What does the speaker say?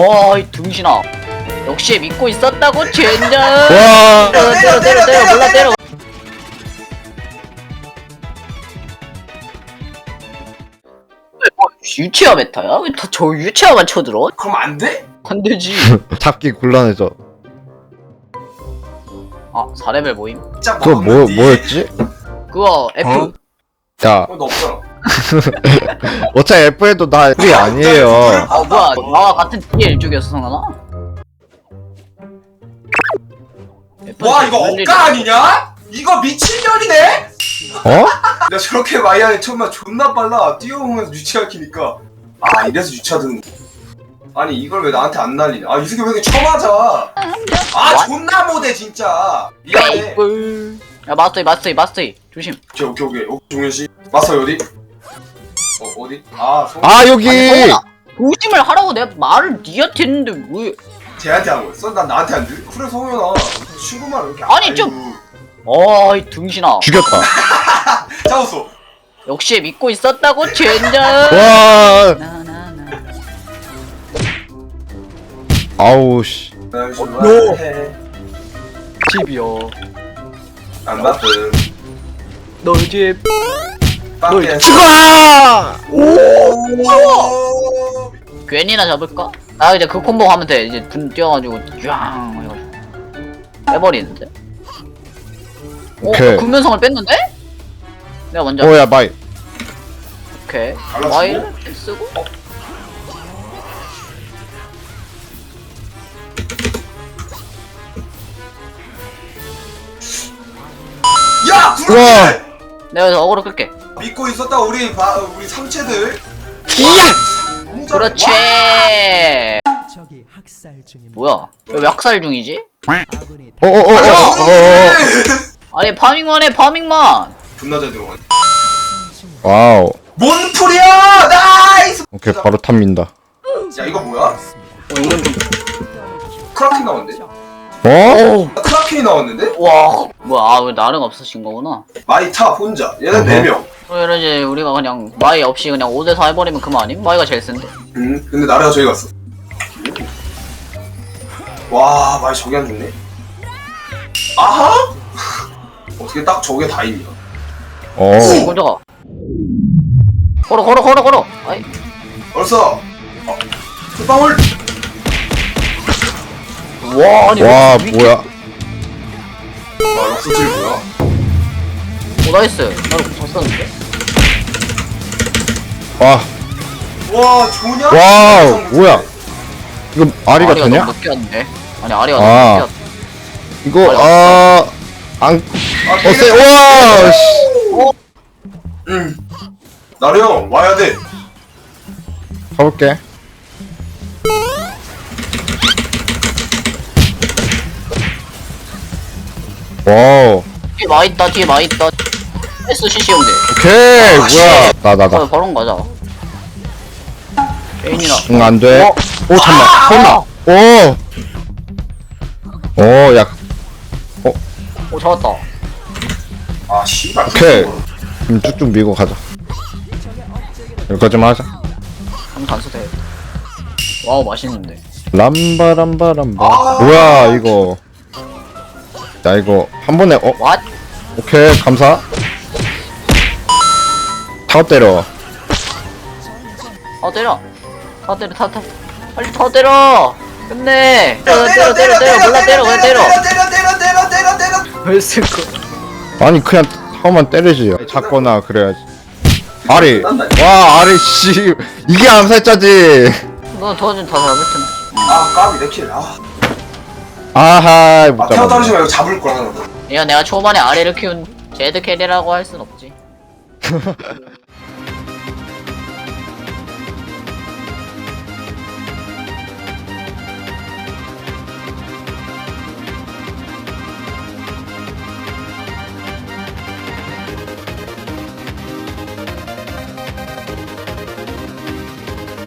이 등신아. 역시 믿고 있었다고 젠장. 와. 때려 몰라 때려. 유치아 메타야? 왜 다 저 유치아만 쳐들어? 그럼 안 돼? 안 되지. 잡기 곤란해져. 아 4레벨 모임? 진짜 그거 뭐였지? 그거 F. 야, 너 없잖아. 어차피 F에도 나 F이 아니에요. 뭐야 나와 같은 DL 쪽이었어 성현아? 와 이거 억까 아니냐? 이거 미친년이네? 어? 야 저렇게 마이안에 처음에 존나 빨라. 뛰어오면서 유치아 키니까. 아 이래서 유치아든. 아니 이걸 왜 나한테 안 날리냐? 아 이 새끼 왜 이렇게 쳐맞아? 아 존나 못해 진짜. 미안해. 야 마스터이 조심. 오케이 종현씨 마스터 어디? 어디? 아 여기. 아니 성현아 조심을 하라고 내가 말을 니한테 했는데 왜? 쟤한테 한 거였어? 난 나한테 안 돼? 그래 성현아 친구만 이렇게 아니, 아이고. 좀- 이 등신아. 죽였다. 잡았어. 역시 믿고 있었다고 젠장. 와. 나나나. 아우 씨. 너 집이요. 안 바쁨. 너희 집. 빵개. 죽어. 오. 괜히나 잡을까? 아 이제 그 콤보 하면 돼. 이제 분 뛰어가지고 쫙 해가지고 빼버리는데. 오케이. 군면성을 뺐는데? 내가 먼저. 오야 마이. 오케이. 갈라치고? 와이를 쓰고. 야 우와. 구르기. 내가 여기서 어그로 끌게. 믿고 있었다 우리 삼체들. 이야. 그렇지. 적이 학살 중입니다. 뭐야? 왜 학살 중이지? 아군이 어어어어어. 아니 파밍만. 존나 잘 들어가. 와우. 몬프리야 나이스. 오케이 바로 탑민다. 야 이거 뭐야? 이건 좀. 크라켄 나왔는데? 어? 크라켄이 나왔는데? 와. 뭐야? 왜 나름 없으신 거구나. 마이탑 혼자. 얘는 4명. 그럼 이제 우리가 그냥 마이 없이 그냥 5대4 해버리면 그만 아님? 마이가 제일 센데. 근데 나래가 저기 갔어. 와 마이 저기 안 죽네. 아하? 어떻게 딱 저게 다 있냐? 어. 곤조가. 걸어. 아이. 벌써 kül방울. 와 아니. 와 왜 뭐야? 와 럭스질 뭐야? 오 나이스. 나를 졌었는데. 와. 와 좋냐? 와우 뭐야? 이거 아리가 되냐? 너무 늦게 왔는데. 아니 아리가 아. 너무 늦게 왔. 이거 안. 아, 세. 와. 씨. 나래 형 와야 돼. 가볼게. 와우. 뒤에 마 있다. SCC 형들. 오케이 뭐야? 나다. 바로 가자. 페인이나. 응, 안 돼. 어? 오, 잠깐만. 설마. 오. 오, 야. 오 잡았다. 아 씨발. 오케이. 그럼 쭉쭉 밀고 가자. 여기까지만 하자. 한 단수 돼. 와우 맛있는데. 람바람바람바. 아. 뭐야, 이거. 야, 이거 한 번에, 왓? 오케이, 감사. 다 때려. 타. 빨리 더 때려. 끝내. 때려. 몰라 때려. 그냥 때려. 때려. 왜 쓸거? 아니, 그냥 타워만 때리지. 잡거나 그래야지. 아리. 와, 아리, 씨. 이게 암살자지. 너 도와준 다 잡을 텐데. 아 까비 내 킬. 아 아하, 못 태워 잡았네. 떨어지지 말고 잡을 거야. 내가 초반에 아래를 키운 제드 캐리라고 할 순 없지.